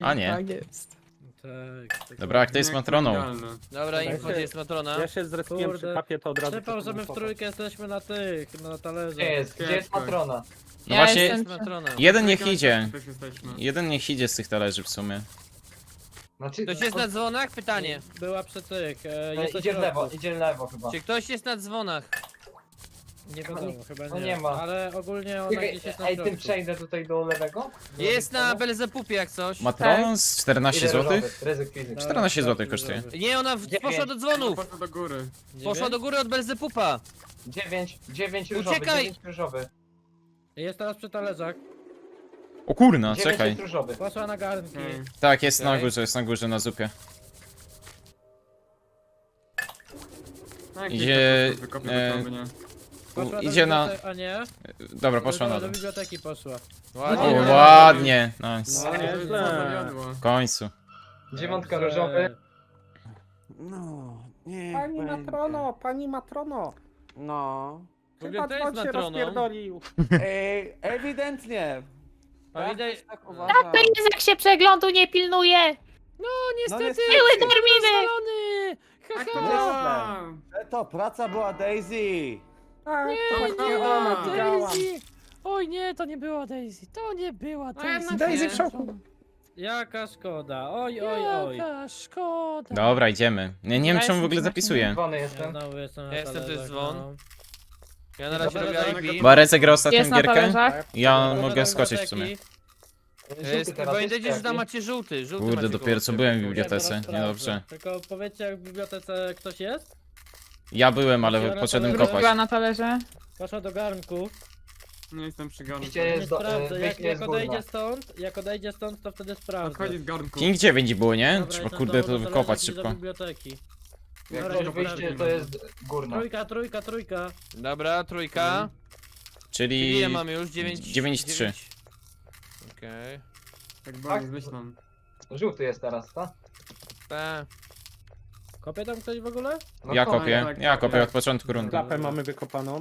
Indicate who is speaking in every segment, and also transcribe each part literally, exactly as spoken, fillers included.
Speaker 1: A nie.
Speaker 2: Tak jest.
Speaker 3: Tak, tak.
Speaker 1: Dobra, a kto jest matroną?
Speaker 4: Dobra,
Speaker 3: Dobra,
Speaker 4: info, gdzie jest matrona?
Speaker 3: Ja się zrespiłem przy
Speaker 5: Kurde.
Speaker 3: kapie, to od razu...
Speaker 5: Przypał, że my w
Speaker 3: przypomnę.
Speaker 5: trójkę jesteśmy na tych, na talerze.
Speaker 6: Gdzie jest? Gdzie jest matrona?
Speaker 1: No
Speaker 2: Ja
Speaker 1: właśnie,
Speaker 2: jestem
Speaker 4: Jest matrona.
Speaker 1: jeden niech idzie.
Speaker 7: Też jesteśmy.
Speaker 1: Jeden niech idzie z tych talerzy w sumie.
Speaker 6: Znaczy,
Speaker 4: Ktoś jest na dzwonach? Pytanie.
Speaker 5: Była przy tych, e,
Speaker 6: e,
Speaker 5: jest na
Speaker 6: idzie w lewo,
Speaker 5: środku.
Speaker 6: idzie w lewo chyba.
Speaker 4: Czy ktoś jest na dzwonach?
Speaker 5: Nie wiadomo, chyba
Speaker 6: No
Speaker 5: nie.
Speaker 6: nie ma.
Speaker 5: Ale ogólnie ona
Speaker 6: Czekaj,
Speaker 5: gdzieś jest na
Speaker 6: ej,
Speaker 5: środku.
Speaker 6: tym przejdę tutaj do lewego?
Speaker 4: Jest na Belzepupie jak coś.
Speaker 1: Matroną z czternaście złotych?
Speaker 6: Ryzyk fizyk.
Speaker 5: Dobra,
Speaker 2: Tak,
Speaker 1: czternaście złotych
Speaker 5: sprawdźmy,
Speaker 1: kosztuje.
Speaker 5: żeby-
Speaker 4: Nie, ona w,
Speaker 6: Dziewięć.
Speaker 4: poszła do dzwonów.
Speaker 7: Poszło do góry.
Speaker 4: Poszła do góry od Belzepupa.
Speaker 6: dziewięć, dziewięć różowy,
Speaker 4: Uciekaj!
Speaker 6: dziewięć różowy.
Speaker 5: Jest teraz przy talerzach.
Speaker 1: O kurna,
Speaker 6: dziewięć
Speaker 1: czekaj.
Speaker 6: jest różowy.
Speaker 5: Poszła na garnki.
Speaker 7: Okej.
Speaker 1: Tak, jest na
Speaker 4: Okej.
Speaker 1: górze, jest na górze na zupie.
Speaker 7: No, jak
Speaker 1: Idzie,
Speaker 7: ktoś wykopię
Speaker 1: e,
Speaker 7: do krowy, nie?
Speaker 5: Poszła
Speaker 1: Idzie
Speaker 5: do
Speaker 1: na...
Speaker 5: biblioteki- A nie?
Speaker 1: Dobra, poszła na
Speaker 5: Do
Speaker 1: dół.
Speaker 5: biblioteki poszła.
Speaker 1: O,
Speaker 4: Ładnie.
Speaker 1: ładnie, nice.
Speaker 3: No,
Speaker 7: To jest
Speaker 3: nieźle.
Speaker 7: zawiodło.
Speaker 1: W końcu.
Speaker 6: Dziewiątka
Speaker 5: Dobrze.
Speaker 6: różowy.
Speaker 2: No, nie.
Speaker 3: Pani matrono, pani matrono.
Speaker 2: No.
Speaker 3: Chyba
Speaker 4: to jest
Speaker 3: dzwon się
Speaker 4: matroną.
Speaker 3: rozpierdolił.
Speaker 2: Ej, ewidentnie.
Speaker 4: Pamiętaj-
Speaker 2: Ja też tak uważam.
Speaker 8: To jest jak się przeglądu nie pilnuje.
Speaker 4: No
Speaker 2: niestety.
Speaker 4: niestety.
Speaker 8: Były terminy.
Speaker 4: Spalony. Ha,
Speaker 7: Jak to
Speaker 4: ha.
Speaker 7: działa?
Speaker 2: E, To praca była Daisy.
Speaker 3: Tak, to
Speaker 7: Nie,
Speaker 3: właśnie
Speaker 7: nie,
Speaker 3: ona, widziałam.
Speaker 4: Daisy. Oj nie, to nie była Daisy. To nie była Daisy.
Speaker 2: Daisy w szoku.
Speaker 5: Jaka szkoda. Oj, oj, oj.
Speaker 4: Jaka szkoda.
Speaker 1: Dobra, idziemy. Nie, nie wiem czemu w ogóle zapisuję.
Speaker 6: Dzwony
Speaker 5: Ja
Speaker 6: jestem.
Speaker 5: znowu jestem na
Speaker 4: Ja jestem, to jest
Speaker 5: talerzach,
Speaker 4: dzwon.
Speaker 5: no.
Speaker 4: Ja na razie
Speaker 5: Dobra,
Speaker 4: robię I P.
Speaker 1: Bo Arece gra ostatnią
Speaker 8: Jest na
Speaker 1: gierkę.
Speaker 8: talerzach.
Speaker 1: Ja
Speaker 5: Dobra,
Speaker 1: mogę
Speaker 5: do
Speaker 1: skoczyć w sumie.
Speaker 5: biblioteki.
Speaker 6: Żółty teraz
Speaker 4: Pamiętajcie, że
Speaker 6: jest
Speaker 4: tam
Speaker 6: jaki?
Speaker 4: macie żółty. żółty
Speaker 1: Kurde,
Speaker 4: macie
Speaker 1: dopiero co
Speaker 4: koło
Speaker 1: byłem w
Speaker 4: siebie.
Speaker 1: bibliotece.
Speaker 5: Ja zaraz
Speaker 1: Niedobrze.
Speaker 5: sprawdzę. Tylko powiedzcie, jak w bibliotece ktoś jest?
Speaker 1: Ja byłem, ale
Speaker 5: Ja na
Speaker 1: poszedłem
Speaker 5: talerzu.
Speaker 1: kopać.
Speaker 8: Była na talerze.
Speaker 5: Poszła do garnku.
Speaker 7: Nie jestem przy garnku.
Speaker 6: Widzicie,
Speaker 5: Nie
Speaker 6: jest do, e,
Speaker 5: sprawdzę. Jak,
Speaker 6: wyjście
Speaker 5: jak
Speaker 6: jest górna.
Speaker 5: odejdzie stąd, jak odejdzie stąd, to wtedy sprawdzę.
Speaker 7: Odchodzi z garnku.
Speaker 1: King dziewięć było, nie?
Speaker 5: Dobra,
Speaker 1: Trzeba
Speaker 5: jestem
Speaker 1: kurde
Speaker 5: znowu
Speaker 1: to
Speaker 5: do
Speaker 1: wykopać
Speaker 5: talerza, idę
Speaker 1: szybko.
Speaker 5: do biblioteki.
Speaker 6: Jak
Speaker 5: Dobra,
Speaker 6: ktoś
Speaker 5: idę
Speaker 6: wyjście,
Speaker 5: do
Speaker 6: to jest górna.
Speaker 5: Trójka, trójka, trójka.
Speaker 4: Dobra, trójka. Czyli
Speaker 1: Czyli...
Speaker 4: ile mamy już? dziewięć.
Speaker 1: dziewięć trzy.
Speaker 4: Okej.
Speaker 7: Tak bardzo zmyślam.
Speaker 6: Żółty jest teraz, tak?
Speaker 4: Okay.
Speaker 5: Kopie tam ktoś w ogóle?
Speaker 6: No
Speaker 1: Ja
Speaker 6: to-
Speaker 1: kopię,
Speaker 7: tak,
Speaker 1: ja
Speaker 7: tak.
Speaker 1: kopię od początku rundy.
Speaker 3: Klapę mamy wykopaną.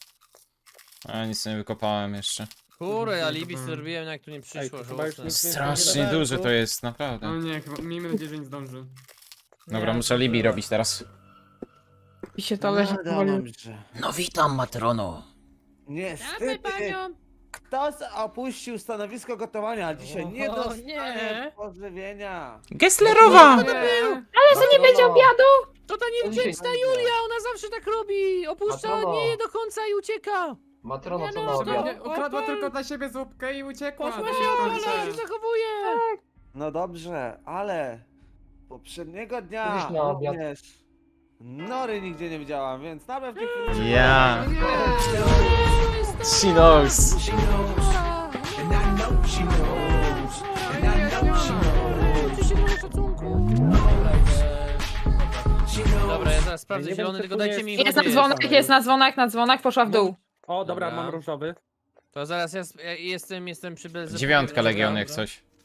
Speaker 1: A nic nie wykopałem jeszcze.
Speaker 4: Kurde, alibi zrobiłem, jak tu nie
Speaker 3: Ej,
Speaker 4: przyszło,
Speaker 3: to chyba już
Speaker 4: żałosne.
Speaker 3: nic
Speaker 1: Strasznie duże to jest, naprawdę.
Speaker 7: No nie, chyba miejmy nadzieję, że nie zdąży.
Speaker 1: Dobra,
Speaker 5: Nie,
Speaker 1: muszę alibi
Speaker 5: dobra.
Speaker 1: robić teraz.
Speaker 8: I się talerze
Speaker 2: No
Speaker 8: powoli.
Speaker 2: dobrze.
Speaker 1: No witam, matrono.
Speaker 2: Niestety, ktoś opuścił stanowisko gotowania, dzisiaj nie
Speaker 5: O,
Speaker 2: dostanie
Speaker 5: nie.
Speaker 2: pożywienia.
Speaker 1: Gesslerowa!
Speaker 8: Ale że nie będzie obiadu?
Speaker 4: To ta
Speaker 6: To
Speaker 4: niewdzięczna
Speaker 6: dzisiaj-
Speaker 4: Julia, ona zawsze tak robi! Opuszcza,
Speaker 6: Matrono.
Speaker 4: nie je do końca i ucieka!
Speaker 6: Matrono, co
Speaker 4: Nie
Speaker 6: na
Speaker 4: no,
Speaker 6: obiad?
Speaker 4: to-
Speaker 7: Ukradła
Speaker 4: Opal.
Speaker 7: tylko dla siebie zupkę i uciekła.
Speaker 4: Poszła
Speaker 7: To
Speaker 4: się
Speaker 7: jest
Speaker 4: opalać,
Speaker 7: końce.
Speaker 4: się zachowuje!
Speaker 2: No dobrze, ale poprzedniego dnia
Speaker 6: Kiedyś na obiad.
Speaker 2: również Nory nigdzie nie widziałam, więc na pewno...
Speaker 1: Ja. She knows.
Speaker 4: Dobra, ja zaraz sprawdzę
Speaker 3: Nie wiem,
Speaker 4: zielony,
Speaker 3: czy
Speaker 4: tylko
Speaker 3: tu
Speaker 4: dajcie
Speaker 3: jest-
Speaker 4: mi
Speaker 3: Jest
Speaker 8: Jest na
Speaker 4: gdzie
Speaker 8: dzwonach, jest na dzwonach, na dzwonach, poszła w dół.
Speaker 3: O, dobra,
Speaker 4: Dobra.
Speaker 3: mam różowy.
Speaker 4: To zaraz ja, sp- ja jestem, jestem przy Belzepupie.
Speaker 1: Dziewiątka
Speaker 4: dobra,
Speaker 1: Legion jak
Speaker 4: dobra.
Speaker 1: coś.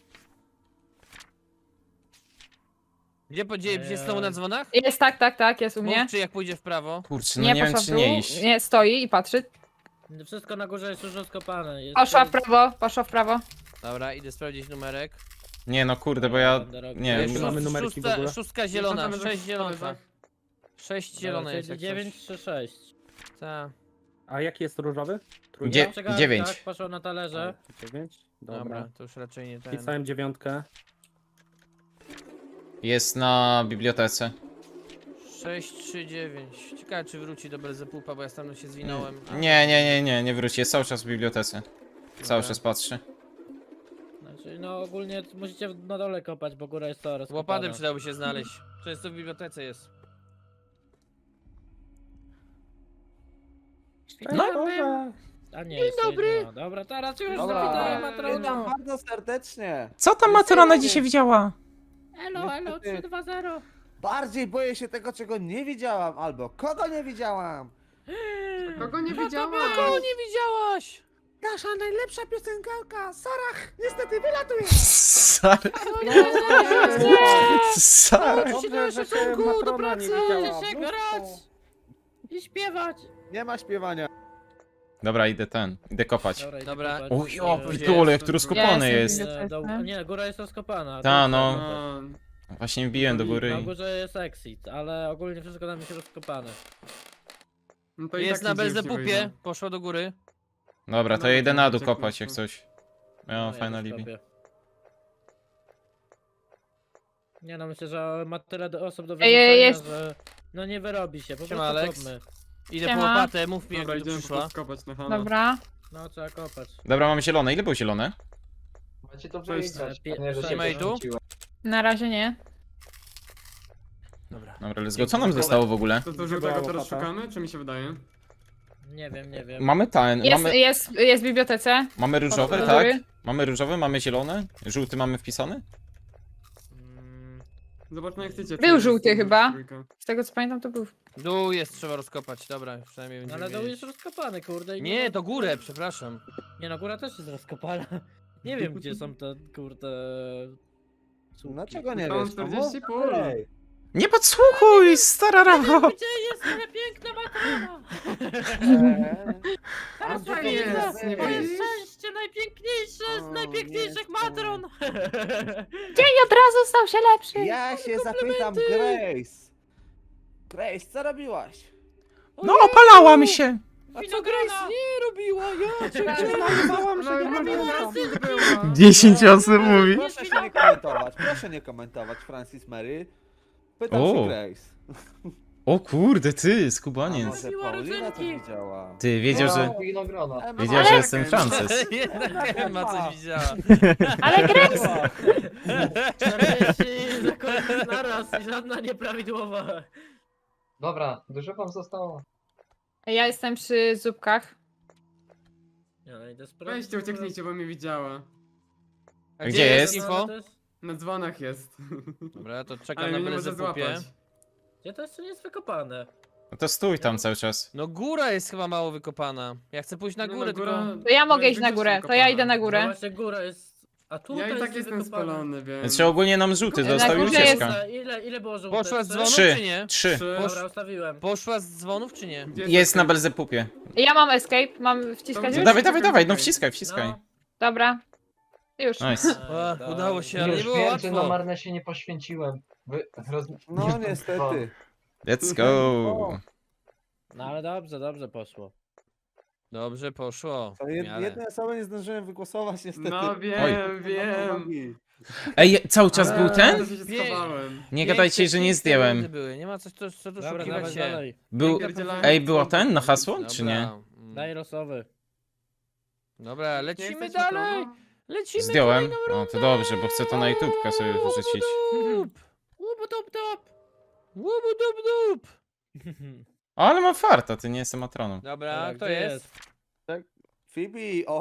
Speaker 4: Gdzie, gdzie, gdzie znowu na dzwonach?
Speaker 8: Jest, tak, tak, tak, jest u mnie.
Speaker 4: Mów, czy jak pójdzie w prawo?
Speaker 1: Kurczę, no nie wiem
Speaker 8: poszła w
Speaker 1: czy
Speaker 8: dół.
Speaker 1: nie iść.
Speaker 8: Nie, stoi i patrzy.
Speaker 5: Wszystko na górze jest już rozkopane. Jest
Speaker 8: Poszła w prawo, poszła w prawo.
Speaker 4: Dobra, idę sprawdzić numerek.
Speaker 1: Nie no kurde, bo ja... Nie
Speaker 4: Jest
Speaker 1: wiem,
Speaker 3: mamy
Speaker 4: szóst-
Speaker 3: numerki w
Speaker 4: szóstka,
Speaker 3: ogóle?
Speaker 4: szóstka zielona,
Speaker 7: Zapraszamy do
Speaker 4: sześć zielona.
Speaker 7: talerzach.
Speaker 4: Sześć zielone jest jak
Speaker 5: dziewięć
Speaker 4: coś.
Speaker 5: trzy sześć.
Speaker 4: Ta.
Speaker 3: A jaki jest różowy? Trójka?
Speaker 1: Dzie-
Speaker 5: Przy garnkach,
Speaker 1: dziewięć.
Speaker 5: Poszła na talerze.
Speaker 3: Dziewięć?
Speaker 4: Dobra,
Speaker 3: Dobra.
Speaker 4: to już raczej nie ten.
Speaker 3: Pisałem dziewiątkę.
Speaker 1: jest na bibliotece.
Speaker 4: sześć trzy dziewięć. Ciekawe czy wróci do Belzepupa, bo ja tam się zwinąłem. A,
Speaker 1: Nie, nie, nie, nie, nie wróci, jest cały czas w bibliotece. Cały
Speaker 4: Dobra.
Speaker 1: czas patrzy.
Speaker 5: Znaczy, no ogólnie musicie na dole kopać, bo góra jest to
Speaker 4: Z łopatem przydałoby się znaleźć. Często w bibliotece jest.
Speaker 3: No, dobra.
Speaker 5: A nie,
Speaker 4: Dzień
Speaker 5: jest
Speaker 4: dobry.
Speaker 5: jedno. Dobra, teraz już
Speaker 2: Dobra,
Speaker 5: zawitałem
Speaker 2: witam
Speaker 5: matroną.
Speaker 2: bardzo serdecznie.
Speaker 1: Co tam
Speaker 2: matrona dzisiaj
Speaker 1: widziała?
Speaker 5: Elo, elo,
Speaker 2: Niestety.
Speaker 5: trzy dwa zero.
Speaker 2: Bardziej boję się tego, czego nie widziałam, albo kogo nie widziałam.
Speaker 7: Kogo nie widziała?
Speaker 4: Kogo nie widziałaś?
Speaker 2: Nasza najlepsza piosenkarka, Sarah, niestety wylatuje.
Speaker 1: Sar... Sar...
Speaker 3: Dobrze, że się
Speaker 4: szacunku, do
Speaker 3: matrona nie
Speaker 4: pracy,
Speaker 3: widziała.
Speaker 5: się
Speaker 3: Mnóstwo.
Speaker 5: grać. I śpiewać.
Speaker 2: Nie ma śpiewania.
Speaker 1: Dobra, idę ten, idę kopać.
Speaker 5: Dobra, idę
Speaker 4: Dobra.
Speaker 5: kopać.
Speaker 1: Uj, o,
Speaker 5: E,
Speaker 1: pitole, jak tu
Speaker 7: Ja
Speaker 1: rozkopany
Speaker 8: jestem
Speaker 1: jest.
Speaker 5: e, do, nie, góra jest rozkopana.
Speaker 1: Ta,
Speaker 5: tu
Speaker 1: no.
Speaker 5: jest kopać.
Speaker 7: No,
Speaker 1: Właśnie wbiłem do góry
Speaker 5: Na
Speaker 1: i...
Speaker 5: górze jest exit, ale ogólnie wszystko tam jest rozkopane.
Speaker 7: no to i
Speaker 4: Jest
Speaker 7: tak
Speaker 4: na
Speaker 7: nigdzie już nie
Speaker 4: Belzepupie,
Speaker 7: wyjdę.
Speaker 4: poszła do góry.
Speaker 1: Dobra, to
Speaker 7: No,
Speaker 1: ja idę na dół
Speaker 7: ucieknę
Speaker 1: kopać jak
Speaker 7: stąd.
Speaker 1: coś. Ja mam
Speaker 5: No,
Speaker 1: fajne
Speaker 5: ja też
Speaker 1: alibi.
Speaker 5: kopię. Nie no, myślę, że ma tyle do osób do
Speaker 8: Ej, ej,
Speaker 5: wyrzucenia, że no nie wyrobi się, po
Speaker 4: Siema,
Speaker 5: prostu
Speaker 4: Alex.
Speaker 5: kopmy.
Speaker 4: Idę po
Speaker 8: Siema.
Speaker 4: łopatę, mów mi jak
Speaker 7: Dobra,
Speaker 4: tu
Speaker 7: idziemy po
Speaker 4: przyszła.
Speaker 7: prostu kopać na hama.
Speaker 8: Dobra.
Speaker 5: No trzeba kopać.
Speaker 1: Dobra, mamy zielone. Ile było zielone?
Speaker 6: Macie to
Speaker 7: Cześć.
Speaker 6: wygrać,
Speaker 5: Pie-
Speaker 6: a nie, że
Speaker 5: cześć.
Speaker 6: się
Speaker 4: Nie ma i tu?
Speaker 6: poświęciłem.
Speaker 8: Na razie nie.
Speaker 4: Dobra.
Speaker 1: Dobra, let's go. Co nam zostało w ogóle?
Speaker 7: To to żółtego teraz szukamy, czy mi się wydaje?
Speaker 5: Nie wiem, nie wiem.
Speaker 1: Mamy ten,
Speaker 8: Jest,
Speaker 1: mamy,
Speaker 8: jest, jest w bibliotece.
Speaker 1: mamy różowe,
Speaker 8: do
Speaker 1: tak?
Speaker 8: góry.
Speaker 1: Mamy różowe, mamy zielone. Żółty mamy wpisany?
Speaker 5: Mm,
Speaker 7: Zobaczmy jak chcecie.
Speaker 8: Był
Speaker 7: czy
Speaker 8: żółty
Speaker 7: jest
Speaker 8: chyba.
Speaker 7: trójka.
Speaker 8: Z tego co pamiętam to był.
Speaker 4: Dół jest, trzeba rozkopać, dobra, przynajmniej
Speaker 5: no
Speaker 4: będziemy
Speaker 5: ale dół
Speaker 4: wiedzieć.
Speaker 5: jest rozkopany, kurde. i
Speaker 4: Nie,
Speaker 5: ma-
Speaker 4: to górę, przepraszam.
Speaker 5: Nie no, góra też jest rozkopana. Nie wiem gdzie są te, kurde... słupki.
Speaker 2: Dlaczego nie
Speaker 7: Mam
Speaker 2: wiesz?
Speaker 7: czterdzieści
Speaker 2: No,
Speaker 7: pól.
Speaker 2: ej.
Speaker 1: Nie podsłuchuj, stara rawo!
Speaker 5: Gdzie jest moja piękna matrona?
Speaker 2: Eee.
Speaker 5: Teraz
Speaker 7: Gdzie
Speaker 5: moje
Speaker 7: jest? Nie
Speaker 5: moje
Speaker 7: widzisz?
Speaker 5: szczęście najpiękniejsze z
Speaker 2: O,
Speaker 5: najpiękniejszych
Speaker 2: jestem.
Speaker 5: matron!
Speaker 8: Dzień od razu stał się lepszy.
Speaker 2: Ja się zapytam Grace. Grace, co robiłaś?
Speaker 1: No, opalałam się!
Speaker 5: A co Grace nie robiła? Ja cię
Speaker 7: No, no, no, była.
Speaker 1: dziesięć osób mówi.
Speaker 2: Proszę się nie komentować, proszę nie komentować, Francis Mary. Pytam
Speaker 1: O.
Speaker 2: się Grace.
Speaker 1: O kurde, ty,
Speaker 2: A
Speaker 1: skubaniec.
Speaker 2: może
Speaker 5: Zrobiła
Speaker 2: Paulina to
Speaker 5: rodzynki.
Speaker 2: widziała?
Speaker 1: Ty, wiedział, że...
Speaker 6: No, winogrona.
Speaker 2: E, no
Speaker 1: Wiedział, że
Speaker 2: ale-
Speaker 1: jestem Frances.
Speaker 4: Jednak ma coś widziała.
Speaker 8: Ale Grace!
Speaker 5: czterdzieści zakładów naraz i żadna nieprawidłowa.
Speaker 6: Dobra, dużo wam zostało.
Speaker 8: Ja jestem przy zupkach.
Speaker 5: Ja no idę sprawdzić.
Speaker 7: Weźcie, ucieknijcie, bo mnie widziała.
Speaker 4: A
Speaker 1: Gdzie jest?
Speaker 4: info?
Speaker 7: Na dzwonach jest.
Speaker 4: Dobra, to czekam
Speaker 7: Ale
Speaker 4: na
Speaker 7: mnie nie może
Speaker 4: Belzepupie.
Speaker 7: złapać.
Speaker 5: Gdzie to jeszcze nie jest wykopane?
Speaker 1: No to stój tam cały czas.
Speaker 4: No góra jest chyba mało wykopana. Ja chcę pójść na
Speaker 7: No,
Speaker 4: górę,
Speaker 7: góra-
Speaker 4: tylko...
Speaker 8: To ja mogę
Speaker 7: góra
Speaker 8: iść na
Speaker 7: jest
Speaker 8: górę, to ja idę na
Speaker 5: No
Speaker 8: górę.
Speaker 5: właśnie góra jest... A tu
Speaker 7: Ja i
Speaker 5: to
Speaker 7: tak
Speaker 5: jest
Speaker 7: jestem
Speaker 5: wykopane.
Speaker 7: spalony, więc...
Speaker 1: Znaczy ogólnie nam żółty
Speaker 8: Na
Speaker 1: dostał i
Speaker 8: górze
Speaker 1: ucieczka.
Speaker 8: jest-
Speaker 5: Ile, ile było żółte?
Speaker 4: Poszła z
Speaker 5: Trzy?
Speaker 4: dzwonów
Speaker 1: Trzy.
Speaker 4: czy nie?
Speaker 1: Trzy.
Speaker 7: Trzy.
Speaker 5: Dobra, ustawiłem.
Speaker 4: Poszła z dzwonów czy nie?
Speaker 7: Gdzie
Speaker 1: Jest na
Speaker 7: taki-
Speaker 1: Belzepupie.
Speaker 8: Ja mam escape, mam wciskać
Speaker 7: To
Speaker 1: No
Speaker 8: już?
Speaker 1: dawaj, dawaj, dawaj, no wciskaj, wciskaj.
Speaker 5: No.
Speaker 8: Dobra. Już.
Speaker 1: Nice.
Speaker 4: A,
Speaker 5: Dobra.
Speaker 4: udało się, ale nie
Speaker 6: Już
Speaker 4: było
Speaker 6: wiem, że na
Speaker 4: łatwo.
Speaker 6: marne się nie poświęciłem. Wy... Roz...
Speaker 2: No niestety.
Speaker 1: Let's go.
Speaker 5: No ale dobrze, dobrze poszło.
Speaker 4: Dobrze poszło.
Speaker 2: To
Speaker 4: w
Speaker 2: jed,
Speaker 4: miarę.
Speaker 2: jednej osoby nie zdążyłem wygłosować niestety.
Speaker 7: No wiem, wiem.
Speaker 1: Ej, cały czas był
Speaker 7: Ale
Speaker 1: ten?
Speaker 7: to się schowałem.
Speaker 1: Nie gadajcie, że nie zdjąłem.
Speaker 4: Były. Nie ma coś, co, co tu
Speaker 5: Dobra,
Speaker 4: szukiwać
Speaker 5: dawaj
Speaker 4: się.
Speaker 5: dalej.
Speaker 1: Był...
Speaker 7: Pierdzielałem
Speaker 1: Ej, było
Speaker 7: dzwonki.
Speaker 1: ten na hasło, czy nie?
Speaker 4: Dobra, mm.
Speaker 5: Daj losowy.
Speaker 4: Dobra,
Speaker 7: Nie
Speaker 4: lecimy
Speaker 7: chcesz
Speaker 4: dalej.
Speaker 7: na
Speaker 4: Lecimy
Speaker 1: Zdjąłem.
Speaker 4: kolejną
Speaker 1: No
Speaker 4: rundę.
Speaker 1: to dobrze, bo chcę to na YouTubka sobie wrzucić.
Speaker 4: Łup,
Speaker 5: Łubu top top!
Speaker 4: łubu dup dup.
Speaker 1: Ale mam farta, ty nie jestem matroną.
Speaker 4: Dobra,
Speaker 5: Dobra,
Speaker 4: kto
Speaker 5: gdzie
Speaker 4: jest?
Speaker 2: Phoebe, o.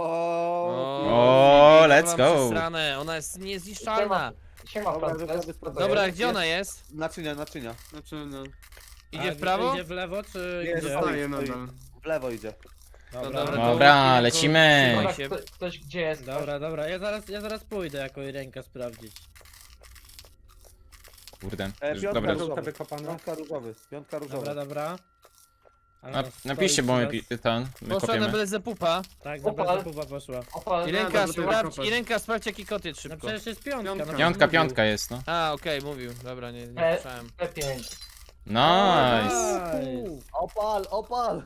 Speaker 1: O,
Speaker 4: Phoebe,
Speaker 1: let's
Speaker 4: to mam
Speaker 1: go.
Speaker 4: przesrane, ona jest niezniszczalna.
Speaker 6: Siema,
Speaker 2: Dobra,
Speaker 6: Frances.
Speaker 2: zasady sprawdzone.
Speaker 4: Dobra,
Speaker 2: Jest-
Speaker 4: gdzie ona jest?
Speaker 2: Naczynia, naczynia.
Speaker 7: Znaczy, no.
Speaker 4: Idzie
Speaker 5: A,
Speaker 4: w prawo?
Speaker 5: Idzie w lewo czy
Speaker 2: Nie,
Speaker 5: gdzie?
Speaker 2: stoi,
Speaker 7: Staję
Speaker 2: stoi.
Speaker 7: nadal.
Speaker 2: W lewo idzie.
Speaker 5: Dobra,
Speaker 4: dobra,
Speaker 5: dobra,
Speaker 4: to-
Speaker 1: Dobra,
Speaker 4: tylko-
Speaker 1: lecimy.
Speaker 6: Dobra,
Speaker 4: się.
Speaker 6: kto, ktoś gdzie jest?
Speaker 5: dobra, dobra. Ja zaraz, ja zaraz pójdę jako ręka sprawdzić.
Speaker 1: Kurde.
Speaker 2: E,
Speaker 1: Już,
Speaker 2: piątka
Speaker 1: dobra.
Speaker 2: różowy.
Speaker 3: wykopane.
Speaker 2: Piątka różowy. Piątka różowy.
Speaker 5: Dobra, dobra. Ale
Speaker 1: Na,
Speaker 5: ona stoi
Speaker 1: napiszcie, bo my
Speaker 5: teraz.
Speaker 1: pi- ten, my
Speaker 4: Poszła na
Speaker 1: kopiemy.
Speaker 4: Belzepupa.
Speaker 5: Tak, na
Speaker 6: Opal.
Speaker 5: bardzo pupa poszła.
Speaker 6: Opal,
Speaker 4: I
Speaker 7: Nie,
Speaker 4: ręka,
Speaker 7: dobra, to
Speaker 4: sprawdź,
Speaker 7: kopać.
Speaker 4: i ręka sprawdź jaki kot jest
Speaker 5: No
Speaker 4: szybko.
Speaker 5: przecież jest piątka.
Speaker 7: Piątka.
Speaker 5: no
Speaker 1: Piątka,
Speaker 5: mówił.
Speaker 1: piątka jest, no.
Speaker 4: A, okej, mówił. Dobra, nie, nie
Speaker 6: E.
Speaker 4: słyszałem.
Speaker 6: P pięć.
Speaker 1: Nice.
Speaker 5: Nice.
Speaker 2: Opal, opal.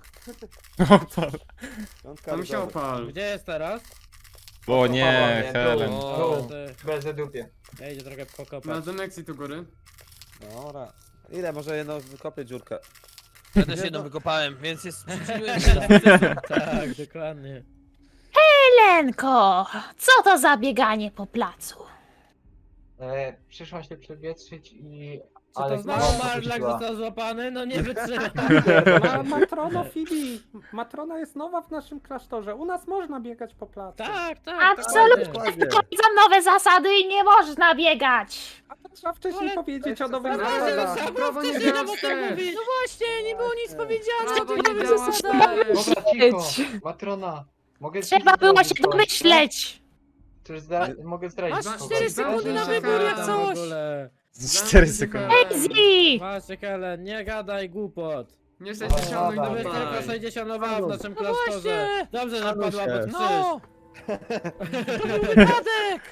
Speaker 2: Piątka
Speaker 7: Tam się
Speaker 2: różowy.
Speaker 7: opal.
Speaker 5: Gdzie jest teraz?
Speaker 1: O nie,
Speaker 6: nie,
Speaker 1: Helen.
Speaker 4: O.
Speaker 5: Dobra, ty.
Speaker 6: Bez dupie.
Speaker 5: Ja idę trochę
Speaker 7: Na
Speaker 5: pokopać.
Speaker 7: Zeneksji tu góry.
Speaker 2: Dobra. Ile? Może jedno wykopię dziurkę.
Speaker 4: Ja też jedną wykopałem, więc jest przyczyniłem się do sukcesu.
Speaker 5: Tak, dokładnie.
Speaker 9: Lenko, co to za bieganie po placu?
Speaker 6: E, przyszła się przewietrzyć i...
Speaker 5: Co to
Speaker 6: Ale
Speaker 5: znowu
Speaker 6: znowu
Speaker 5: Marlak
Speaker 6: puściła.
Speaker 5: został złapany? No nie wytrzymam.
Speaker 3: Ma, matrono Fibi, matrona jest nowa w naszym klasztorze. U nas można biegać po placu.
Speaker 5: Tak, tak.
Speaker 9: Absolutnie.
Speaker 2: Dokładnie.
Speaker 9: Wprowadzam nowe zasady i nie można biegać.
Speaker 3: A to trzeba wcześniej
Speaker 5: Ale-
Speaker 3: powiedzieć o nowych
Speaker 2: Ale-
Speaker 3: zasadach.
Speaker 5: Ale-
Speaker 7: Prawo nie
Speaker 5: nie
Speaker 7: działa
Speaker 5: mogę
Speaker 7: wstecz.
Speaker 5: mówić.
Speaker 4: No właśnie, nie było nic powiedziane.
Speaker 7: Prawo nie działa wstecz.
Speaker 6: Dobra, cicho. Matrona. Mogę
Speaker 9: Trzeba
Speaker 6: ci
Speaker 9: było
Speaker 6: zrobić
Speaker 9: się
Speaker 6: coś,
Speaker 9: domyśleć.
Speaker 6: tak? To już zdra... mogę zdradzić.
Speaker 4: Masz
Speaker 6: kogoś.
Speaker 4: cztery sekundy na
Speaker 7: Czekaj,
Speaker 4: wybór jak
Speaker 7: tam
Speaker 4: coś.
Speaker 5: W ogóle.
Speaker 1: cztery sekundy.
Speaker 9: Easy.
Speaker 5: Właśnie, Helen, nie gadaj głupot.
Speaker 7: Nie sześćdziesiąt,
Speaker 6: No,
Speaker 7: no i
Speaker 6: dobra.
Speaker 5: Tylko
Speaker 7: dawaj.
Speaker 5: sześćdziesiątowała w naszym
Speaker 4: No
Speaker 5: klasztorze.
Speaker 4: właśnie!
Speaker 5: Dobrze, że padła pod krzyż.
Speaker 4: No! To był wypadek!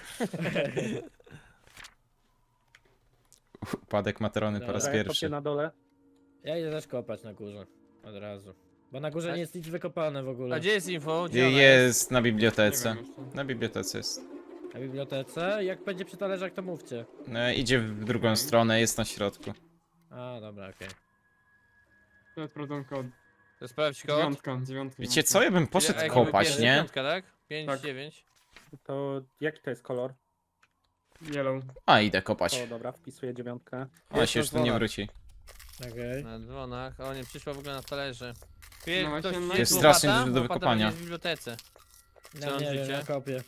Speaker 1: Upadek Matrony po raz
Speaker 5: Dobra,
Speaker 3: Ja kopię
Speaker 1: pierwszy.
Speaker 3: na dole.
Speaker 5: Ja idę też kopać na górze. Od razu. Bo na górze
Speaker 4: Tak?
Speaker 5: nie jest nic wykopane w ogóle.
Speaker 4: A gdzie jest info? Gdzie ona
Speaker 1: Jest na
Speaker 7: Nie
Speaker 1: bibliotece.
Speaker 7: wiem jeszcze.
Speaker 1: Na bibliotece jest.
Speaker 5: Na bibliotece? Jak będzie przy talerzach, to mówcie.
Speaker 1: No, idzie w drugą stronę, jest na środku.
Speaker 5: A, dobra, okej.
Speaker 7: To sprawdzam kod.
Speaker 4: To sprawdź kod.
Speaker 7: Dziewiątka, dziewiątka.
Speaker 1: Wiecie co, ja bym poszedł
Speaker 4: A jaki
Speaker 1: kopać,
Speaker 4: pierwszy?
Speaker 1: nie?
Speaker 4: Piątka, tak? pięć,
Speaker 7: Tak.
Speaker 4: dziewięć.
Speaker 3: To jaki to jest kolor?
Speaker 7: Yellow.
Speaker 1: A, idę kopać.
Speaker 3: O, dobra, wpisuję dziewiątkę.
Speaker 1: Ona się już tu nie wróci.
Speaker 5: Okej.
Speaker 4: Na dzwonach. O, nie przyszła w ogóle na talerze. Wie,
Speaker 7: No
Speaker 4: ktoś
Speaker 7: właśnie, no
Speaker 4: gdzie
Speaker 1: jest
Speaker 4: łopata?
Speaker 1: strasznie dużo do
Speaker 4: Łopata
Speaker 1: wykopania.
Speaker 4: będzie w bibliotece. Co
Speaker 5: Ja
Speaker 4: mam
Speaker 5: nie wiem,
Speaker 4: życie?
Speaker 5: ja kopię.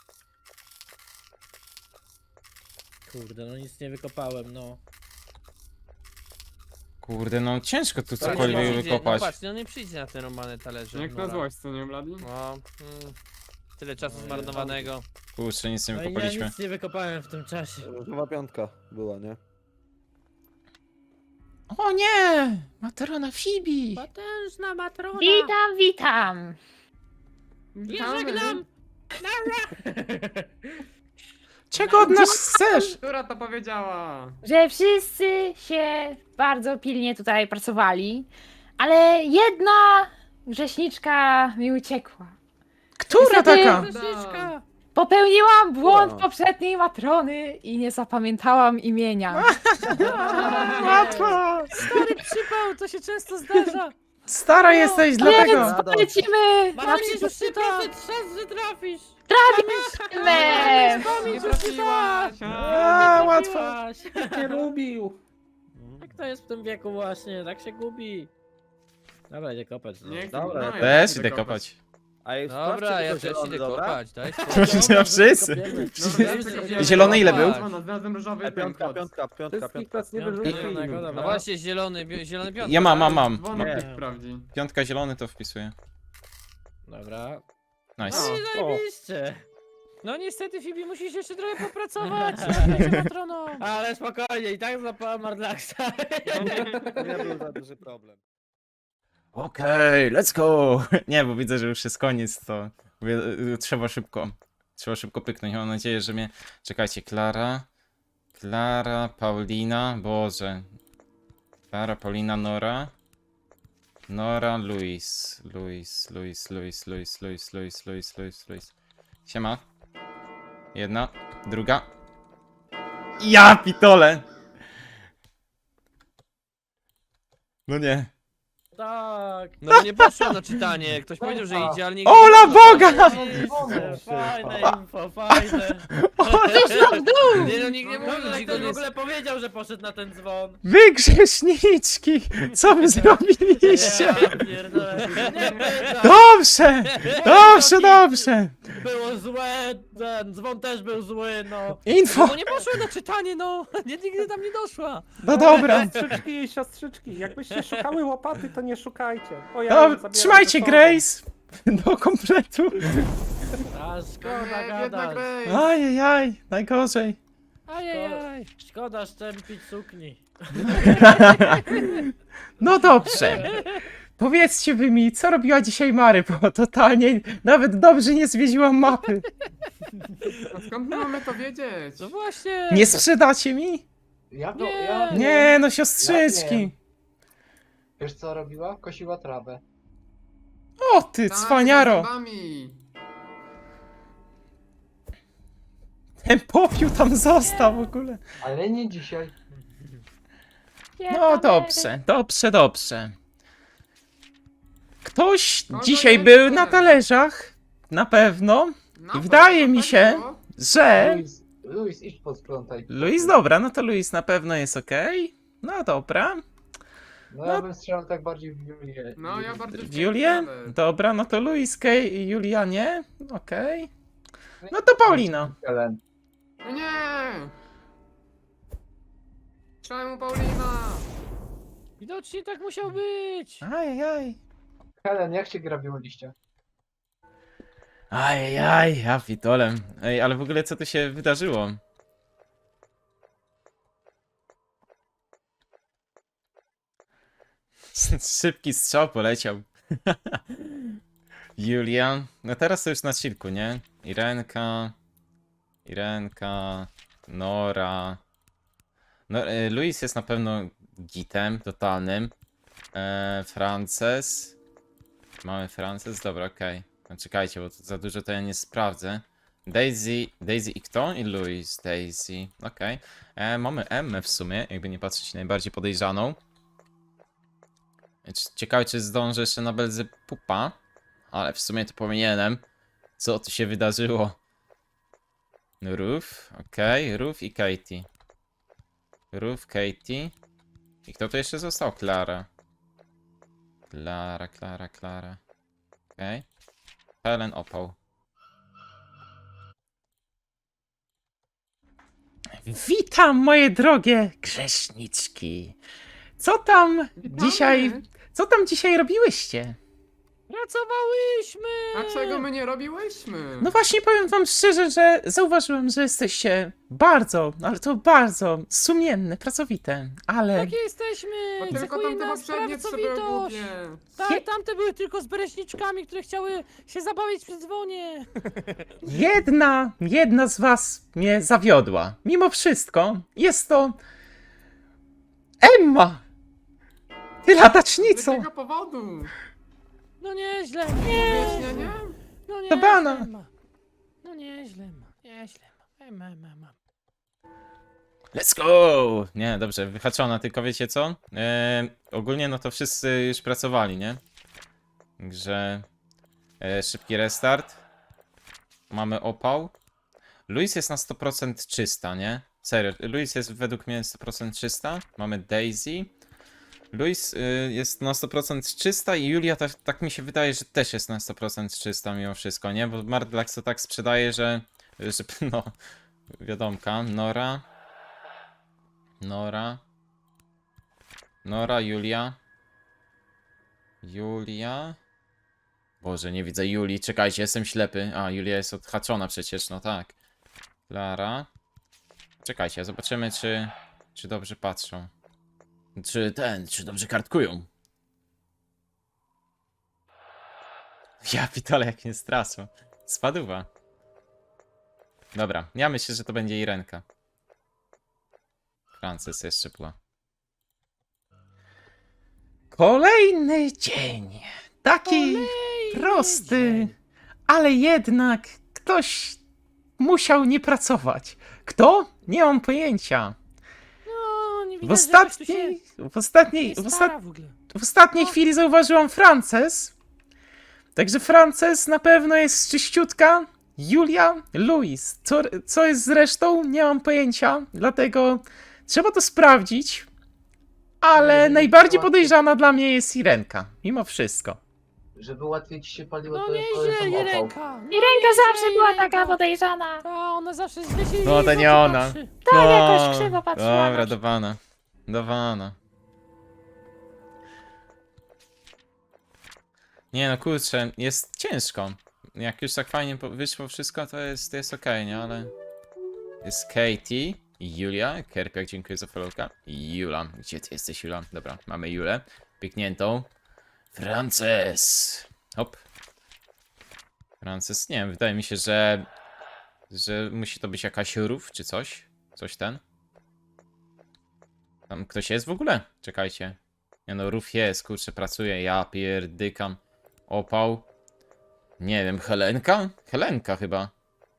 Speaker 5: Kurde, no nic nie wykopałem, no.
Speaker 1: Kurde, no ciężko tu
Speaker 4: To nie
Speaker 1: cokolwiek
Speaker 4: przyjdzie-
Speaker 1: wykopać.
Speaker 4: No patrz, no nie przyjdzie na te romane talerze.
Speaker 7: Jak na
Speaker 4: Nora.
Speaker 7: złość, co nie, Bladi?
Speaker 4: No, mm, tyle czasu
Speaker 5: No,
Speaker 4: zmarnowanego.
Speaker 1: Kurczę, nic nie
Speaker 5: No i ja
Speaker 1: wykopaliśmy.
Speaker 5: nic nie wykopałem w tym czasie.
Speaker 2: Różowa piątka była, nie?
Speaker 1: O nie! Matrona Fibi!
Speaker 5: Potężna matrona!
Speaker 9: Witam, witam.
Speaker 7: Witamy.
Speaker 5: żegnam.
Speaker 1: Czego od nas chcesz?
Speaker 7: Która to powiedziała?
Speaker 9: Że wszyscy się bardzo pilnie tutaj pracowali, ale jedna grzeszniczka mi uciekła.
Speaker 1: Która
Speaker 9: Niestety-
Speaker 1: taka?
Speaker 5: Grzeszniczka!
Speaker 9: Popełniłam błąd
Speaker 2: O.
Speaker 9: poprzedniej matrony i nie zapamiętałam imienia.
Speaker 1: Łatwo!
Speaker 4: Stary przypał, to się często zdarza.
Speaker 1: Stara jesteś,
Speaker 9: Więc
Speaker 1: dlatego!
Speaker 9: polecimy na
Speaker 5: Masz
Speaker 9: przyszły
Speaker 5: trzy procent szans, że trafisz!
Speaker 9: filmy.
Speaker 7: Nie trafiłaś!
Speaker 1: A, łatwo!
Speaker 5: Trafiłaś.
Speaker 3: Nie lubił.
Speaker 5: Jak to jest w tym wieku właśnie, tak się gubi. Dobra, idę kopać. No.
Speaker 7: Nie chcę,
Speaker 2: Dobra,
Speaker 7: no,
Speaker 2: ja
Speaker 7: ja
Speaker 1: Też
Speaker 7: chcę
Speaker 1: idę
Speaker 7: kopać.
Speaker 1: kopać.
Speaker 2: A już
Speaker 4: Dobra, ja też
Speaker 2: zielony,
Speaker 4: idę
Speaker 2: dobra?
Speaker 4: kopać, daj
Speaker 1: Ja wszyscy.
Speaker 5: Kopiemy.
Speaker 7: Dobra, ja chcę kopać.
Speaker 1: Zielony ile był?
Speaker 7: Dzwona, Znalazłem różowy
Speaker 2: E,
Speaker 7: ten
Speaker 2: piątka,
Speaker 7: kod.
Speaker 2: piątka, piątka,
Speaker 3: Wszystkich
Speaker 2: piątka.
Speaker 3: nas nie
Speaker 5: Piątka,
Speaker 3: wyrzuci.
Speaker 5: zielonego, dobra.
Speaker 4: No właśnie, zielony, bi- zielony piątek.
Speaker 1: Ja mam, mam, mam.
Speaker 7: Dzwonek
Speaker 2: Nie.
Speaker 7: niech sprawdzi.
Speaker 1: Piątka zielony to wpisuję.
Speaker 5: Dobra.
Speaker 1: Nice.
Speaker 7: O.
Speaker 5: No i zajebiście.
Speaker 4: No niestety, Fibi, musisz jeszcze trochę popracować. Będzie matroną.
Speaker 5: Ale spokojnie, i tak złapałem Mardlaxa.
Speaker 2: Nie był za duży problem.
Speaker 1: Okej, let's go! Nie, bo widzę, że już jest koniec, to mówię, y, trzeba szybko. Trzeba szybko pyknąć. Mam nadzieję, że mnie... Czekajcie, Klara... Klara, Paulina, Boże. Klara, Paulina, Nora. Nora, Luis. Luis, Luis, Luis, Luis, Luis, Luis, Luis, Luis, Luis. Siema. Jedna, druga. Ja pitole! No nie.
Speaker 5: Tak.
Speaker 4: No nie poszło na czytanie. Ktoś powiedział, że idzie, ale nie.
Speaker 1: Ola Boga!
Speaker 5: Fajne info, fajne.
Speaker 4: Nie no, nikt nie
Speaker 5: Dobrze,
Speaker 4: mówił,
Speaker 5: że
Speaker 4: że
Speaker 5: ktoś
Speaker 4: go
Speaker 5: w
Speaker 4: nie...
Speaker 5: ogóle powiedział, że poszedł na ten dzwon.
Speaker 1: Wy grzeszniczki! Co wy zrobiliście?
Speaker 5: Ja pierdolę. Nie pytam.
Speaker 1: Dobrze! Dobrze, dobrze!
Speaker 5: Było złe, ten dzwon też był zły, no.
Speaker 1: Info!
Speaker 4: No nie poszło na czytanie, no! Nie, nigdy tam nie doszła.
Speaker 1: No dobra.
Speaker 3: Siostrzyczki i siostrzyczki, jakbyście szukały łopaty, to nie szukajcie. O, ja ją
Speaker 1: No,
Speaker 3: zabieram
Speaker 1: trzymajcie
Speaker 3: ze sobą.
Speaker 1: Grace! Do kompletu.
Speaker 5: A szkoda
Speaker 7: Nie, biedna
Speaker 5: gadać.
Speaker 7: Grace.
Speaker 1: Ajajaj, najgorzej.
Speaker 4: Ajajaj.
Speaker 5: Szkoda szczępić sukni.
Speaker 1: No dobrze. Powiedzcie wy mi, co robiła dzisiaj Mary, bo totalnie nawet dobrze nie zwiedziłam mapy.
Speaker 7: A skąd my mamy to wiedzieć?
Speaker 4: No właśnie.
Speaker 1: Nie sprzedacie mi?
Speaker 6: Ja to,
Speaker 4: Nie.
Speaker 6: ja
Speaker 1: Nie, no
Speaker 6: Ja
Speaker 1: siostrzyczki.
Speaker 6: wiem. Wiesz co robiła? Kosiła trawę.
Speaker 1: O ty,
Speaker 7: Tak,
Speaker 1: cwaniaro.
Speaker 7: z zębami.
Speaker 1: Ten popiół tam został w ogóle.
Speaker 6: Ale nie dzisiaj.
Speaker 1: No dobrze, dobrze, dobrze. Ktoś
Speaker 7: Kogo
Speaker 1: dzisiaj
Speaker 7: jeszcze?
Speaker 1: był na talerzach? Na pewno.
Speaker 7: No,
Speaker 1: I wydaje
Speaker 7: to
Speaker 1: mi
Speaker 7: tak
Speaker 1: się,
Speaker 7: było.
Speaker 1: że...
Speaker 6: Luis, Luis, idź posprzątaj.
Speaker 1: Luis, dobra, no to Luis na pewno jest okej. No dobra.
Speaker 6: No ja bym strzelał tak bardziej w Julię.
Speaker 7: No ja bardzo
Speaker 1: W Julię?
Speaker 7: ciekawe.
Speaker 1: Dobra, no to Luis, Kay i Julia nie. Okej. No to Paulina.
Speaker 6: Helen.
Speaker 7: No nie! Czemu Paulina?
Speaker 4: Widocznie tak musiał być.
Speaker 1: Ajajaj.
Speaker 6: Helen, jak się gra w liście?
Speaker 1: Ajajaj, ja pitolem. Ej, ale w ogóle co tu się wydarzyło? Szybki strzał poleciał. Julia. No teraz to już na chillku, nie? Irenka. Irenka. Nora. No, e, Luis jest na pewno gitem totalnym. E, Frances. Mamy Frances, dobra, okej. No czekajcie, bo to za dużo to ja nie sprawdzę. Daisy, Daisy i kto? I Luis, Daisy, okej. E, Mamy Emmę w sumie, jakby nie patrzeć, najbardziej podejrzaną. C- Ciekawe, czy zdążę jeszcze na Belzepupa. Ale w sumie to powinienem. Co tu się wydarzyło? Ruth, okej, Ruth i Katie. Ruth, Katie. I kto tu jeszcze został? Klara. Klara, Klara, Klara. Okej. Helen Opał. Witam, moje drogie grzeszniczki. Co tam dzisiaj, co tam dzisiaj robiłyście?
Speaker 5: Pracowałyśmy!
Speaker 7: A czego my nie robiłyśmy?
Speaker 1: No właśnie powiem wam szczerze, że zauważyłem, że jesteście bardzo, ale to bardzo sumienne, pracowite, ale...
Speaker 5: Takie jesteśmy!
Speaker 7: Bo tylko
Speaker 5: Cechuje
Speaker 7: tamte
Speaker 5: nas
Speaker 7: poprzednie trzy były
Speaker 5: pracowitość.
Speaker 7: głupie.
Speaker 5: Tak, tamte były tylko z bereśniczkami, które chciały się zabawić przy dzwonie.
Speaker 1: Jedna, jedna z was mnie zawiodła. Mimo wszystko jest to... Emma! Ty
Speaker 7: Z
Speaker 1: latacznico!
Speaker 7: jakiego powodu?
Speaker 5: No nieźle, nie,
Speaker 7: Wyjaśnienie?
Speaker 5: no nie.
Speaker 1: To bana.
Speaker 5: No nieźle ma, nieźle ma. Ema, ema, ema.
Speaker 1: Let's go! Nie, dobrze, wyhaczona, tylko wiecie co? Eee, ogólnie no to wszyscy już pracowali, nie? Także... E, szybki restart. Mamy opał. Luis jest na sto procent czysta, nie? Serio, Luis jest według mnie sto procent czysta. Mamy Daisy. Luis y, jest na sto procent czysta i Julia tak, tak mi się wydaje, że też jest na sto procent czysta mimo wszystko, nie? Bo Mardlax to tak sprzedaje, że... że no... Wiadomka. Nora. Nora. Nora, Julia. Julia. Boże, nie widzę Julii. Czekajcie, jestem ślepy. A, Julia jest odhaczona przecież, no tak. Klara. Czekajcie, zobaczymy, czy, czy dobrze patrzą. Czy ten, czy dobrze kartkują. Ja pitole, jak mnie straszył. Spaduwa. Dobra, ja myślę, że to będzie Irenka. Frances jeszcze była. Kolejny dzień. Taki prosty, ale jednak ktoś musiał nie pracować. Kto? Nie mam pojęcia.
Speaker 5: No, nie
Speaker 1: W
Speaker 5: widać, że ktoś tu się
Speaker 1: ostatniej, w ostatniej,
Speaker 5: nie
Speaker 1: w,
Speaker 5: stara
Speaker 1: ostat,
Speaker 5: w ogóle.
Speaker 1: w ostatniej chwili zauważyłam Frances. Także Frances na pewno jest czyściutka. Julia, Luis. Co, co jest z resztą? Nie mam pojęcia. Dlatego trzeba to sprawdzić. Ale
Speaker 6: Żeby
Speaker 1: najbardziej
Speaker 6: łatwiej-
Speaker 1: podejrzana dla mnie jest Irenka. Mimo wszystko.
Speaker 6: Żeby łatwiej ci się paliło,
Speaker 5: No
Speaker 6: to
Speaker 5: nieźle,
Speaker 6: polecam opał.
Speaker 5: Irenka. No
Speaker 9: Irenka
Speaker 5: nieźle,
Speaker 9: zawsze była
Speaker 5: Irenka.
Speaker 9: taka podejrzana.
Speaker 5: Ta, ona zawsze źle się
Speaker 1: No to
Speaker 5: jej
Speaker 1: nie
Speaker 5: w oczy
Speaker 1: ona.
Speaker 5: patrzy.
Speaker 9: Tak, jakoś krzywo patrzyła.
Speaker 1: Dobra,
Speaker 9: na-
Speaker 1: do wana. Do wana. Nie no, kurczę, jest ciężko. Jak już tak fajnie po- wyszło wszystko, to jest, to jest okej, nie? Ale... Jest Katie i Julia. Kerpiak, dziękuję za followka. I Jula. Gdzie ty jesteś, Jula? Dobra, mamy Julę. Piękniętą. Frances. Hop. Frances, nie wiem, wydaje mi się, że... Że musi to być jakaś rów, czy coś. Coś ten. Tam ktoś jest w ogóle? Czekajcie. Nie no, rów jest, kurczę, pracuje. Ja pierdykam. Opał. Nie wiem, Helenka? Helenka chyba.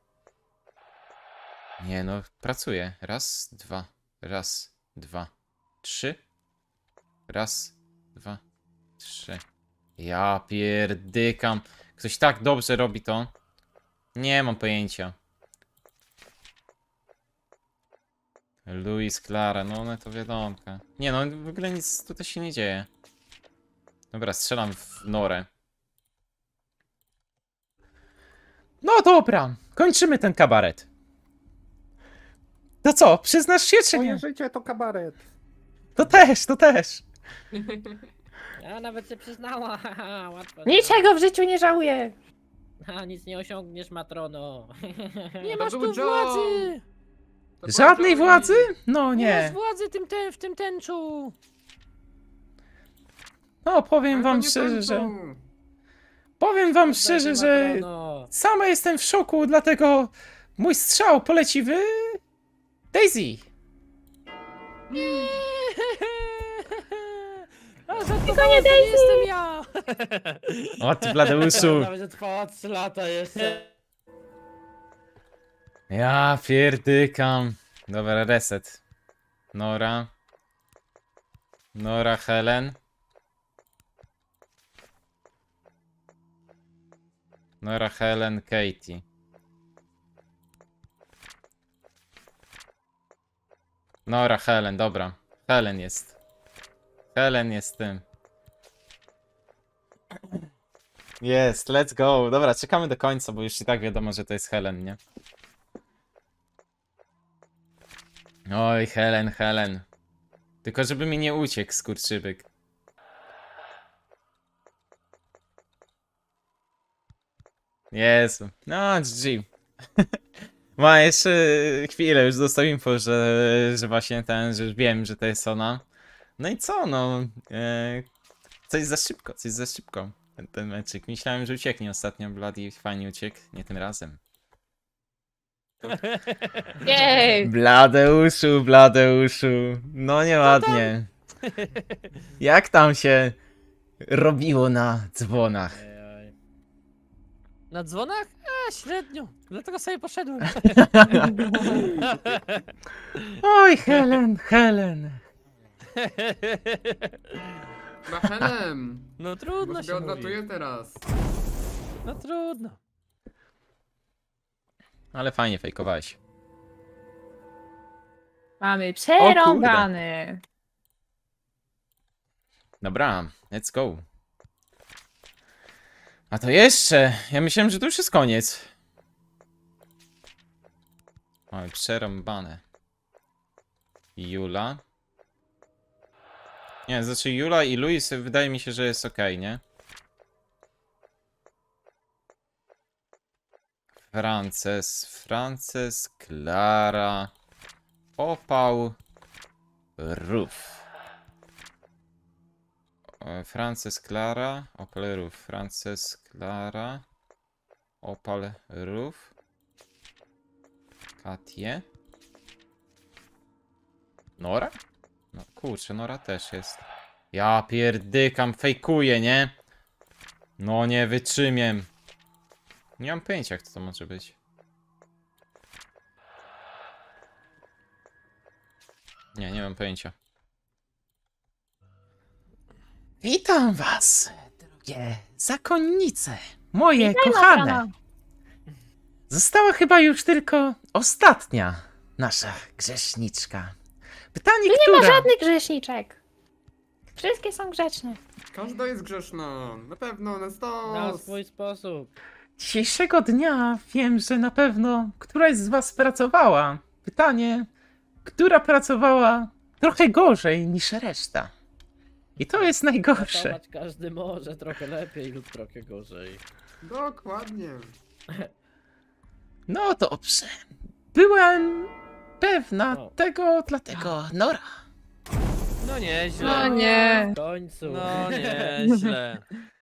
Speaker 1: Nie no, pracuje. Raz, dwa. Raz, dwa, trzy. Raz, dwa, trzy. Ja pierdykam. Ktoś tak dobrze robi to. Nie mam pojęcia. Luis, Klara, no one to wiadomka. Nie no, w ogóle nic tutaj się nie dzieje. Dobra, strzelam w norę. No dobra, kończymy ten kabaret. To co, przyznasz się czy
Speaker 3: Moje
Speaker 1: nie?
Speaker 3: życie to kabaret.
Speaker 1: To też, to też.
Speaker 5: Ja nawet się przyznała, haha, łatwo.
Speaker 9: Niczego w życiu nie żałuję.
Speaker 5: A, nic nie osiągniesz, matrono.
Speaker 7: To
Speaker 5: Nie masz
Speaker 7: był
Speaker 5: tu
Speaker 7: John.
Speaker 5: władzy!
Speaker 7: To
Speaker 1: Żadnej
Speaker 7: powiedział
Speaker 1: władzy?
Speaker 7: i-
Speaker 1: No
Speaker 5: Nie masz
Speaker 1: nie.
Speaker 5: władzy tym ten, w tym tęczu!
Speaker 1: No, powiem
Speaker 7: Ale to
Speaker 1: wam
Speaker 7: nie
Speaker 1: szczerze, że...
Speaker 7: tańczą.
Speaker 1: Powiem wam
Speaker 5: Oddajcie
Speaker 1: szczerze, że...
Speaker 5: Matrono.
Speaker 1: Sama jestem w szoku, dlatego... Mój strzał poleci w... Daisy!
Speaker 5: A tylko nie
Speaker 9: Daisy!
Speaker 5: jestem ja!
Speaker 1: O ty, Bladeuszu!
Speaker 5: Nawet trwała trzy lata jeszcze.
Speaker 1: Ja pierdykam. Dobra, reset. Nora. Nora, Helen. Nora, Helen, Katie. Nora, Helen, dobra. Helen jest. Helen jest tym. Jest, let's go. Dobra, czekamy do końca, bo już i tak wiadomo, że to jest Helen, nie? Oj, Helen, Helen. Tylko żeby mi nie uciekł, skurczybyk. Jezu. No, G G. Ma jeszcze chwilę, już dostał info, że, że właśnie ten, że już wiem, że to jest ona. No i co, no. E, coś za szybko, coś za szybko. Ten, ten meczyk. Myślałem, że ucieknie ostatnio, Bloody fajnie uciekł. Nie tym razem.
Speaker 8: Jej!
Speaker 1: Bladeuszu, Bladeuszu. No nieładnie. Jak tam się robiło na dzwonach?
Speaker 5: Ej,
Speaker 4: Na dzwonach? A, średnio. Dlatego sobie poszedłem.
Speaker 1: Oj, Helen, Helen.
Speaker 7: Bachelem!
Speaker 4: No
Speaker 7: Bo
Speaker 4: trudno
Speaker 7: sobie
Speaker 4: się
Speaker 7: odlatuję
Speaker 4: mówi.
Speaker 7: teraz.
Speaker 4: No trudno.
Speaker 1: Ale fajnie fejkowałeś.
Speaker 9: Mamy przerąbany.
Speaker 1: Dobra, let's go. A to jeszcze. Ja myślałem, że to już jest koniec. Mamy przerąbane. Jula. Nie, znaczy Jula i Luis wydaje mi się, że jest ok, nie? Frances, Frances, Klara, Opał, Ruf. E, Frances, Klara, Opal, Ruf. Frances, Klara, Opal, Ruf. Katie. Nora? No kurczę, Nora też jest. Ja pierdykam, fejkuję, nie? No nie wytrzymiem. Nie mam pojęcia, jak to może być. Nie, nie mam pojęcia. Witam was, drogie zakonnice, moje kochane.
Speaker 9: Matrono.
Speaker 1: Została chyba już tylko ostatnia nasza grzeszniczka. Pytanie,
Speaker 9: Nie
Speaker 1: która...
Speaker 9: ma żadnych grzeszniczek. Wszystkie są grzeczne.
Speaker 7: Każda jest grzeszna. Na pewno, na
Speaker 5: Na
Speaker 7: stos.
Speaker 5: swój sposób.
Speaker 1: Dzisiejszego dnia wiem, że na pewno któraś z was pracowała. Pytanie, która pracowała trochę gorzej niż reszta. I to jest najgorsze.
Speaker 5: Pracować każdy może trochę lepiej lub trochę gorzej.
Speaker 7: Dokładnie.
Speaker 1: No dobrze. Byłem pewna
Speaker 5: O.
Speaker 1: tego, dlatego Nora.
Speaker 4: No nieźle.
Speaker 8: No nie.
Speaker 5: W końcu.
Speaker 4: No nieźle.